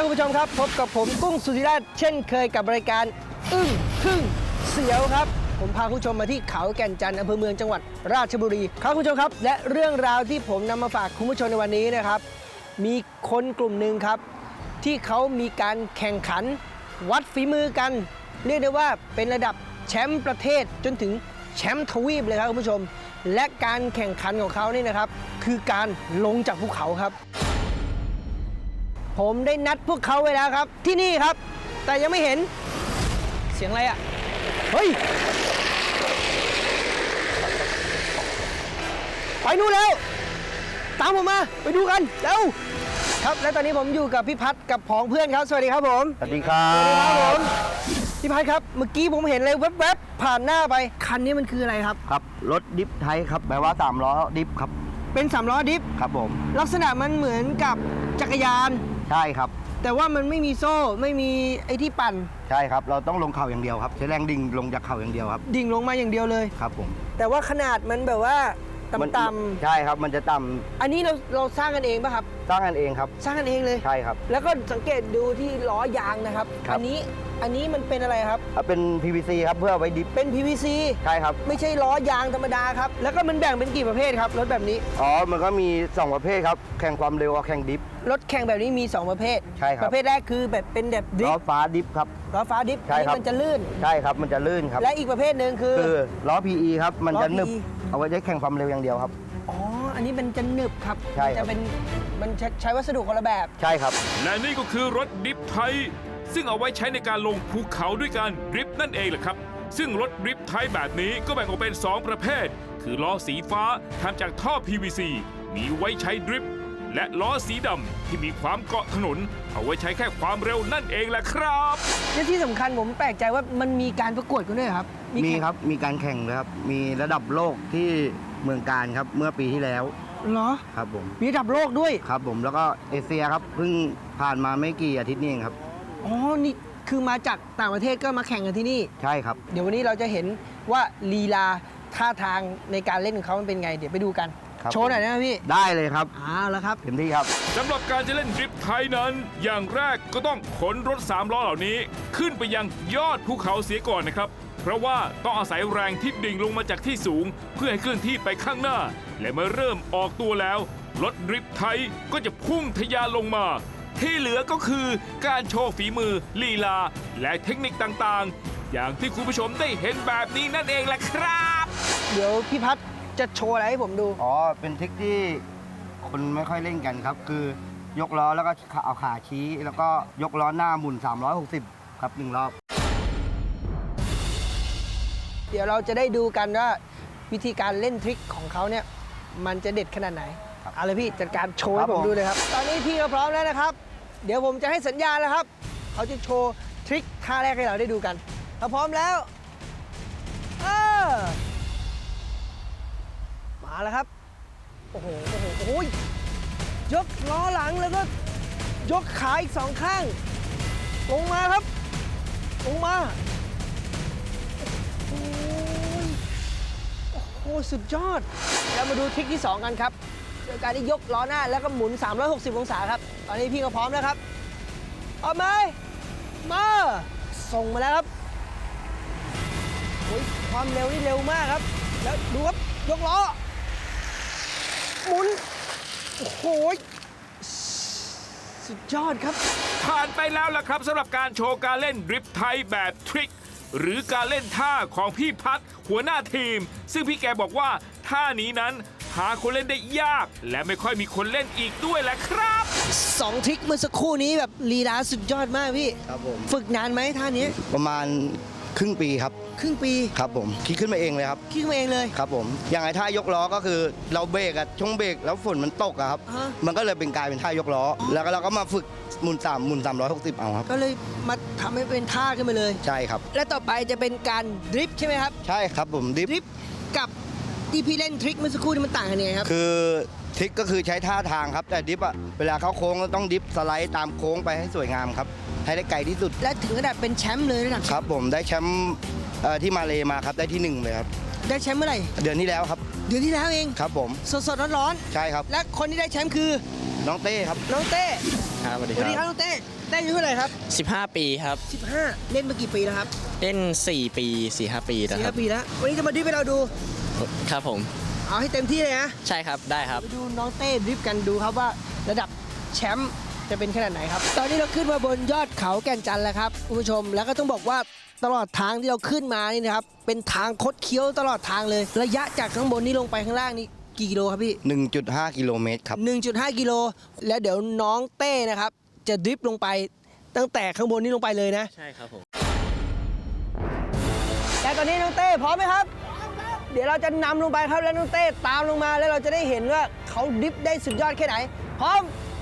คุณผู้ชมครับพบกับผมกุ้งสุธิราชเช่นเคยกับรายการอึ้งทึ่งเสียวครับผมพาคุณผู้ชมมาที่เขาแก่นจันทร์อำเภอเมืองจังหวัดราชบุรีครับคุณผู้ชมครับและเรื่องราวที่ผมนำมาฝากคุณผู้ชมในวันนี้นะครับมีคนกลุ่มหนึ่งครับที่เขามีการแข่งขันวัดฝีมือกันเรียกได้ว่าเป็นระดับแชมป์ประเทศจนถึงแชมป์ทวีปเลยครับคุณผู้ชมและการแข่งขันของเขานี่นะครับคือการลงจากภูเขาครับผมได้นัดพวกเขาไว้แล้วครับที่นี่ครับแต่ยังไม่เห็นเสียงอะไรอ่ะเฮ้ยไปนู่นแล้วตามผมมาไปดูกันเร็วครับและตอนนี้ผมอยู่กับพี่พัฒน์กับผองเพื่อนครับสวัสดีครับผมสวัสดีครับสวัสดีครับผมพี่พัฒน์ครับเมื่อกี้ผมเห็นอะไรแวบๆผ่านหน้าไปคันนี้มันคืออะไรครับครับรถดิฟไทยครับแปลว่า3ล้อดิฟครับเป็น3ล้อดิฟครับผมลักษณะมันเหมือนกับจักรยานใช่ครับแต่ว่ามันไม่มีโซ่ไม่มีไอ้ที่ปั่นใช่ครับเราต้องลงเขาอย่างเดียวครับใช้แรงดิ่งลงจากเขาอย่างเดียวครับดิ่งลงมาอย่างเดียวเลยครับผมแต่ว่าขนาดมันแบบว่าต่ำๆใช่ครับมันจะต่ำอันนี้เราสร้างกันเองป่ะครับสร้างกันเองครับสร้างกันเองเลยใช่ครับแล้วก็สังเกตดูที่ล้อยางนะครับอันนี้มันเป็นอะไรครับเป็น PVC ครับเพื่อไว้ดิฟเป็น PVC ใช่ครับไม่ใช่ล้อยางธรรมดาครับแล้วก็มันแบ่งเป็นกี่ประเภทครับรถแบบนี้มันก็มี2ประเภทครับแข่งความเร็วกับแข่งดิฟรถแข่งแบบนี้มี2ประเภทใช่ครับประเภทแรกคือแบบเป็นแบบดิฟล้อฟ้าดิฟครับล้อฟ้าดิฟที่มันจะลื่นใช่ครับมันจะลื่นครับและอีกประเภทหนึ่งคือล้อ PE ครับมันจะหนึบเอาไว้ใช้แข่งความเร็วอย่างเดียวครับอันนี้มันจะหนึบครับใช่ครับมันใช้วัสดุคนละแบบใช่ครับและนี่ก็คือรถดริฟท์ไทยซึ่งเอาไว้ใช้ในการลงภูเขาด้วยการดริฟท์นั่นเองแหละครับซึ่งรถดริฟท์ไทยแบบนี้ก็แบ่งออกเป็น2ประเภทคือล้อสีฟ้าทำจากท่อ PVC มีไว้ใช้ดริฟท์และล้อสีดำที่มีความเกาะถนนเอาไว้ใช้แค่ความเร็วนั่นเองแหละครับและที่สำคัญผมแปลกใจว่ามันมีการประกวดกันด้วยครับมีครับมีการแข่งเลยครับมีระดับโลกที่เมืองการครับเมื่อปีที่แล้วเหรอครับผมมีระดับโลกด้วยครับผมแล้วก็เอเชียครับเพิ่งผ่านมาไม่กี่อาทิตย์นี้เองครับนี่คือมาจากต่างประเทศก็มาแข่งกันที่นี่ใช่ครับเดี๋ยววันนี้เราจะเห็นว่าลีลาท่าทางในการเล่นของเขามันเป็นไงเดี๋ยวไปดูกันโชว์หน่อยนะพี่ได้เลยครับแล้วครับเต็มที่ครับสำหรับการจะเล่นดริฟท์ไทยนั้นอย่างแรกก็ต้องขนรถ3ล้อเหล่านี้ขึ้นไปยังยอดภูเขาเสียก่อนนะครับเพราะว่าต้องอาศัยแรงที่ดิ่งลงมาจากที่สูงเพื่อให้เคลื่อนที่ไปข้างหน้าและเมื่อเริ่มออกตัวแล้วรถดริฟท์ไทยก็จะพุ่งทะยานลงมาที่เหลือก็คือการโชว์ฝีมือลีลาและเทคนิคต่างๆอย่างที่คุณผู้ชมได้เห็นแบบนี้นั่นเองแหละครับเดี๋ยวพี่พัฒน์จะโชว์อะไรให้ผมดูเป็นทริคที่คนไม่ค่อยเล่นกันครับคือยกล้อแล้วก็เอาขาชี้แล้วก็ยกล้อหน้าหมุน360ครับ1รอบเดี๋ยวเราจะได้ดูกันว่าวิธีการเล่นทริคของเขาเนี่ยมันจะเด็ดขนาดไหนเอาเลยพี่จัดการโชว์ให้ผมดูเลยครับตอนนี้พี่ก็พร้อมแล้วนะครับเดี๋ยวผมจะให้สัญญาณแล้วครับเขาจะโชว์ทริคท่าแรกให้เราได้ดูกันถ้าพร้อมแล้วมาแล้วครับโอ้โหยกล้อหลังแล้วก็ยกขาอีก2ข้างลงมาครับลงมาโอ้โหสุดยอดเรามาดูทริคที่2กันครับโดยการที่ยกล้อหน้าแล้วก็หมุน360องศาครับตอนนี้พี่ก็พร้อมแล้วครับเอาไหมมาส่งมาแล้วครับความเร็วนี่เร็วมากครับแล้วดูครับยกล้อหมุนโอ้โหสุดยอดครับผ่านไปแล้วล่ะครับสำหรับการโชว์การเล่นดริฟท์ไทยแบบทริคหรือการเล่นท่าของพี่พัฒน์หัวหน้าทีมซึ่งพี่แกบอกว่าท่านี้นั้นหาคนเล่นได้ยากและไม่ค่อยมีคนเล่นอีกด้วยแหละครับ 2ทริคเมื่อสักครู่นี้แบบลีลาสุดยอดมากพี่ครับผมฝึกนานไหมท่านี้ประมาณครึ่งปีครับครึ่งปีครับผมคิดขึ้นมาเองเลยครับคิดขึ้นมาเองเลยครับผมอย่างไอ้ท่ายกล้อก็คือเราเบรกช่วงเบรกแล้วฝนมันตกครับมันก็เลยเป็นกลายเป็นท่ายกล้อแล้วเราก็มาฝึกหมุน360เอาครับก็เลยมาทำให้เป็นท่าขึ้นมาเลยใช่ครับและต่อไปจะเป็นการดริฟท์ใช่ไหมครับใช่ครับผมดริฟท์กับที่พี่เล่นทริคเมื่อสักครู่นี่มันต่างกันยังไงครับคือทริคก็คือใช้ท่าทางครับแต่ดริฟต์เวลาเข้าโค้งก็ต้องดริฟต์สไลด์ตามโค้งไปให้สวยงามครับให้ได้ไกลที่สุดและถึงระดับเป็นแชมป์เลยนะครับผมได้แชมป์ที่มาเลมาครับได้ที่1เลยครับได้แชมป์เมื่อไหร่เดือนที่แล้วครับเดือนที่แล้วเองครับผมสดๆร้อนๆใช่ครับและคนที่ได้แชมป์คือน้องเต้ครับน้องเต้ครับสวัสดีสวัสดีคครัรับบ น้องเต้เต้อายุเท่าไหร่ครับ 15 ปีครับ 15 เล่นมากี่ปีแล้วครับเล่น 4 ปี 4-5 ปีแล้วสี่ครัห้าบปีแล้ว วันนี้จะมาดริฟต์ให้เราดูครับผมเอาให้เต็มที่เลยนะใช่ครับได้ครับไปดูน้องเต้ดริฟต์กันดูครับว่าระดับแชมป์จะเป็นขนาดไหนครับ ตอนนี้เราขึ้นมาบนยอดเขาแก่นจันทร์แล้วครับคุณผู้ชม แล้วก็ต้องบอกว่าตลอดทางที่เราขึ้นมานี่นะครับ เป็นทางคดเคี้ยวตลอดทางเลย ระยะจากข้างบนนี้ลงไปข้างล่างนี่กี่กิโลครับพี่ 1.5 กิโลเมตรครับ 1.5 กิโล แล้วเดี๋ยวน้องเต้นะครับ จะดริฟต์ลงไปตั้งแต่ข้างบนนี้ลงไปเลยนะใช่ครับผมและตอนนี้น้องเต้พร้อมไหมครับ เดี๋ยวเราจะนำลงไปครับแล้วน้องเต้ตามลงมาแล้วเราจะได้เห็นว่าเขาดริฟต์ได้สุดยอดแค่ไหน พร้อมไป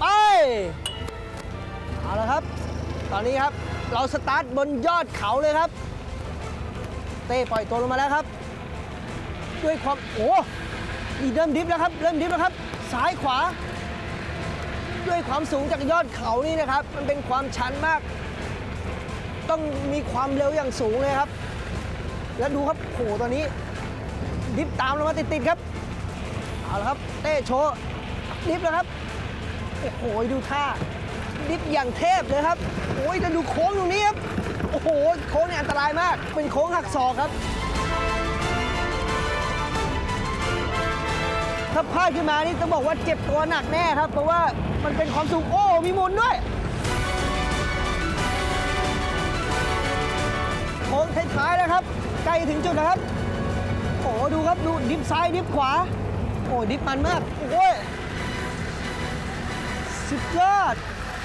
เอาละครับ ตอนนี้ครับเราสตาร์ทบนยอดเขาเลยครับ เต้ปล่อยตัวลงมาแล้วครับ ด้วยความโอ้นี่เริ่มดริฟต์แล้วครับเริ่มดริฟต์แล้วครับซ้ายขวา ด้วยความสูงจากยอดเขานี่นะครับ มันเป็นความชันมาก ต้องมีความเร็วอย่างสูงเลยครับ แล้วดูครับโหตอนนี้ดริฟต์ตามเรามาติดๆครับเอาละครับเต้โชว์ดริฟต์แล้วครับโอ้โหดูท่าดริฟต์อย่างเทพเลยครับโอ้ยจะดูโค้งตรงนี้ครับโอ้โหโค้งเนี่ยอันตรายมากเป็นโค้งหักศอกครับถ้าพลาดขึ้นมานี่ต้องบอกว่าเจ็บตัวหนักแน่ครับเพราะว่ามันเป็นความสูงโอ้มีหมุนด้วยโค้งท้ายๆแล้วครับใกล้ถึงจุดแล้วครับโอ้ดูครับดูดิฟซ้ายดิฟขวาโอ้ดิฟมันมากโอ้ยสุดยอด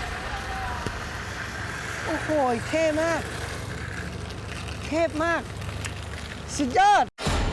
โอ้โหเท่มากเทพมากสุดยอด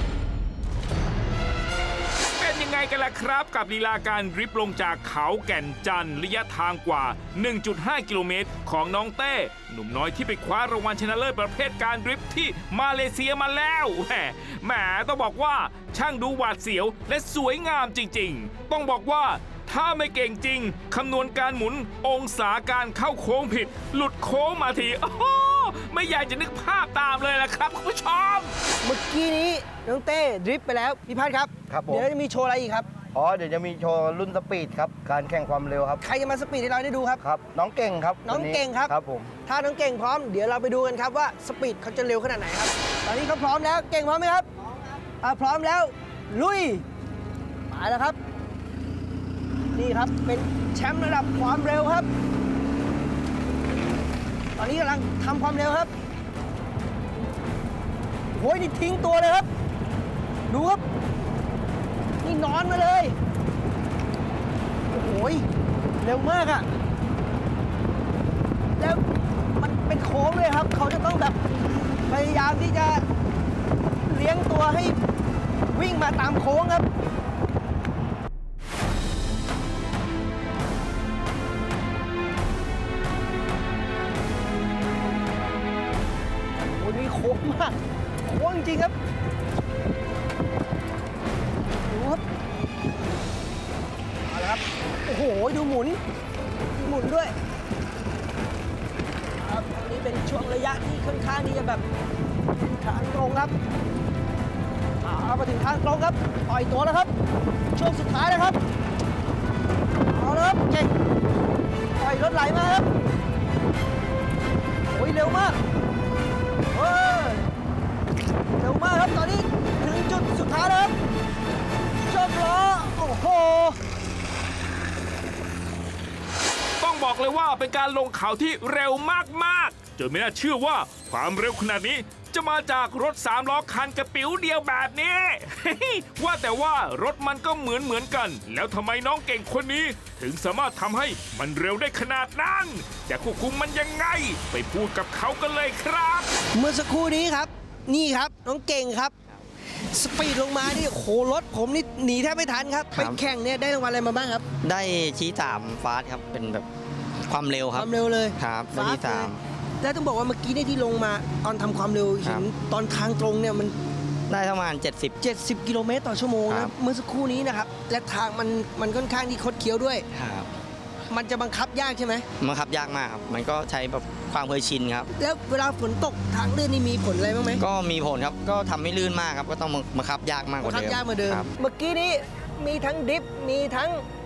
เป็นยังไงกันล่ะครับกับลีลาการดริฟต์ลงจากเขาแก่นจันทร์ระยะทางกว่า 1.5 กิโลเมตรของน้องเต้หนุ่มน้อยที่ไปคว้ารางวัลชนะเลิศประเภทการดริฟต์ที่มาเลเซียมาแล้วแหมต้องบอกว่าช่างดูหวาดเสียวและสวยงามจริงๆ ต้องบอกว่าถ้าไม่เก่งจริงคำนวณการหมุนองศาการเข้าโค้งผิด หลุดโค้งมาทีโอ้โหไม่อยากจะนึกภาพตามเลยล่ะครับคุณผู้ชมเมื่อกี้นี้น้องเต้ดริฟต์ไปแล้วพี่พัฒน์ครับครับผมเดี๋ยวจะมีโชว์อะไรอีกครับอ๋อเดี๋ยวจะมีโชว์รุ่นสปีดครับ การแข่งความเร็วครับใครจะมาสปีดให้เราได้ดูครับครับ น้องเก่งครับน้องวัเก่งครับครับผมถ้าน้องเก่งพร้อมเดี๋ยวเราไปดูกันครับว่าสปีดเขาจะเร็วขนาดไหนครับ ตอนนี้เขาพร้อมแล้วเก่งพร้อมไหมครับพร้อมครับพร้อมแล้วลุยมาแล้วครับ นี่ครับเป็นแชมป์ระดับความเร็วครับ ตอนนี้กำลังทำความเร็วครับโอ้ยนี่ทิ้งตัวเลยครับ ดูครับนี่นอนมาเลยโอ้โหเร็วมากอะแล้วมันเป็นโค้งเลยครับ เขาจะต้องแบบพยายามที่จะเลี้ยงตัวให้วิ่งมาตามโค้งครับโอ้โหนี่โค้งมากโค้งจริงๆครับดูครับเอาละครับโอ้โหดูหมุนด้วยครับอันนี้เป็นช่วงระยะที่ค่อนข้างที่จะแบบทางตรงครับเอามาถึงทางตรงครับปล่อยตัวแล้วครับ ช่วงสุดท้ายแล้วครับเอาละครับเก่งปล่อยรถไหลมาครับโอ้ยเร็วมากเฮ้ยเร็วมากครับตอนนี้ถึงจุดสุดท้ายแล้วครับโชคล้อโอ้โหต้องบอกเลยว่าเป็นการลงเขาที่เร็วมากๆจนไม่น่าเชื่อว่าความเร็วขนาดนี้จะมาจากรถ3ล้อคันกระปิ๋วเดียวแบบนี้ ว่าแต่ว่ารถมันก็เหมือนกัน แล้วทำไมน้องเก่งคนนี้ ถึงสามารถทำให้มันเร็วได้ขนาดนั้นจะควบคุมมันยังไง ไปพูดกับเขากันเลยครับเมื่อสักครู่นี้ครับ นี่ครับน้องเก่งครับ สปีดลงมานี่โอ้โหรถผมนี่หนีแทบไม่ทันครับคไปรับแข่งเนี่ยได้รางวัลอะไรมาบ้างครับได้ชี้3ฟาสครับเป็นแบบความเร็วคครับวามเร็วเลยครับได้ที่ฟาสเลยแล้วต้องบอกว่าเมื่อกี้เนี่ยที่ลงมาตอนทำความเร็วคเห็รันบตอนทางตรงเนี่ยมัน 3ได้ประมาณ70 70 กิโลเมตรต่อชั่วโมงครันะบเมื่อสักครู่นี้นะครับ และทางมันค่อนข้างที่คดเคี้ยวด้วยครับมันจะบังคับยากใช่ไหมมันขับยากมากครับมันก็ใช้แบบความเคยชินครับแล้วเวลาฝนตกทางลื่นนี่มีผลอะไรบ้างไหมก็มีผลครับก็ทำให้ลื่นมากครับก็ต้องบังคับยากมากกบัว่างคับเดิมยากเหมาเดิมครับเมื่อกี้นี้มีทั้งดริฟต์มีทั้ง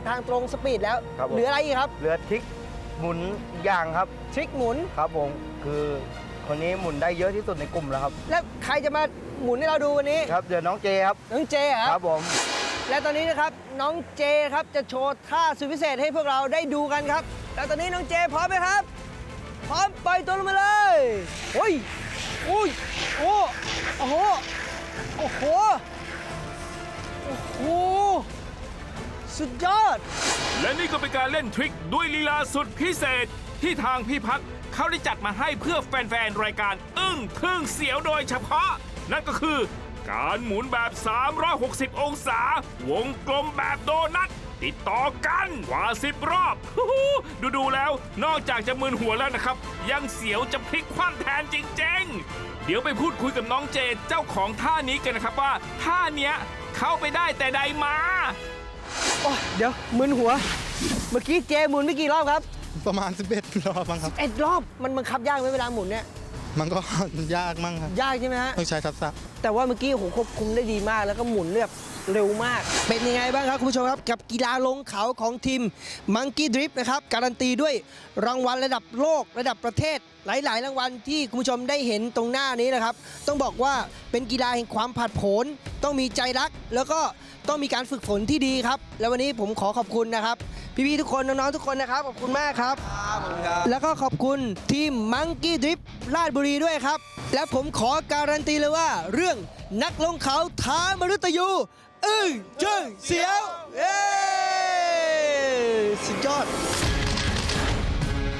ทางตรงสปีดแล้วครับผมเหลืออะไรอีกครับเรือทริกหมุนอีกอย่างครับทริกหมุนครับผมคือคนนี้หมุนได้เยอะที่สุดในกลุ่มแล้วครับแล้วใครจะมาหมุนให้เราดูวันนี้ครับเดี๋ยวน้องเจครับน้องเจเหรอคครัรับบ ผมและตอนนี้นะครับน้องเจครับจะโชว์ท่าสุดพิเศษให้พวกเราได้ดูกันครับ แล้วตอนนี้น้องเจพร้อมไหมครับ พร้อมปล่อยตัวลงมาเลยโอ้ยอุ้ยโอ้โอ้โหโอ้โหโอ้โหสุดยอดและนี่ก็เป็นการเล่นทริคด้วยลีลาสุดพิเศษที่ทางพี่พักเขาได้จัดมาให้เพื่อแฟนๆ รายการอึ้งทึ่งเสียวโดยเฉพาะ นั่นก็คือการหมุนแบบ 360 องศา วงกลมแบบโดนัทติดต่อกันกว่า 10 รอบดูแล้วนอกจากจะมึนหัวแล้วนะครับ ยังเสียวจะพลิกคว่ำแทนจริงๆ เดี๋ยวไปพูดคุยกับน้องเจเจ้าของท่านี้กันนะครับว่าท่าเนี้ยเข้าไปได้แต่ใดมาโอ้ยเดี๋ยวมึนหัว เมื่อกี้เจหมุนไม่กี่รอบครับประมาณ 11 รอบมั้งครับ 11 รอบมันบังคับยากไหมเวลาหมุนเนี่ยมันก็ ยากมั้งครับยากใช่ไหมฮะต้องใช้ทักษะแต่ว่าเมื่อกี้โอ้โหควบคุมได้ดีมากแล้วก็หมุนแบบเร็วมาก เป็นยังไงบ้างครับคุณผู้ชมครับ กับกีฬาลงเขาของทีม Monkey Drift นะครับ การันตีด้วยรางวัลระดับโลกระดับประเทศหลาย ๆ รางวัลที่คุณผู้ชมได้เห็นตรงหน้านี้นะครับ ต้องบอกว่าเป็นกีฬาแห่งความผาดโผนต้องมีใจรัก แล้วก็ต้องมีการฝึกฝนที่ดีครับ แล้ววันนี้ผมขอขอบคุณนะครับ พี่ๆทุกคนน้องๆทุกคนนะครับขอบคุณมากครับ แล้วก็ขอบคุณทีม Monkey Drift ราชบุรีด้วยครับ และผมขอการันตีเลยว่าเรื่องนักลงเขาท้ามฤตยูอึ้งจึ้งเสียวเอ้สุดยอด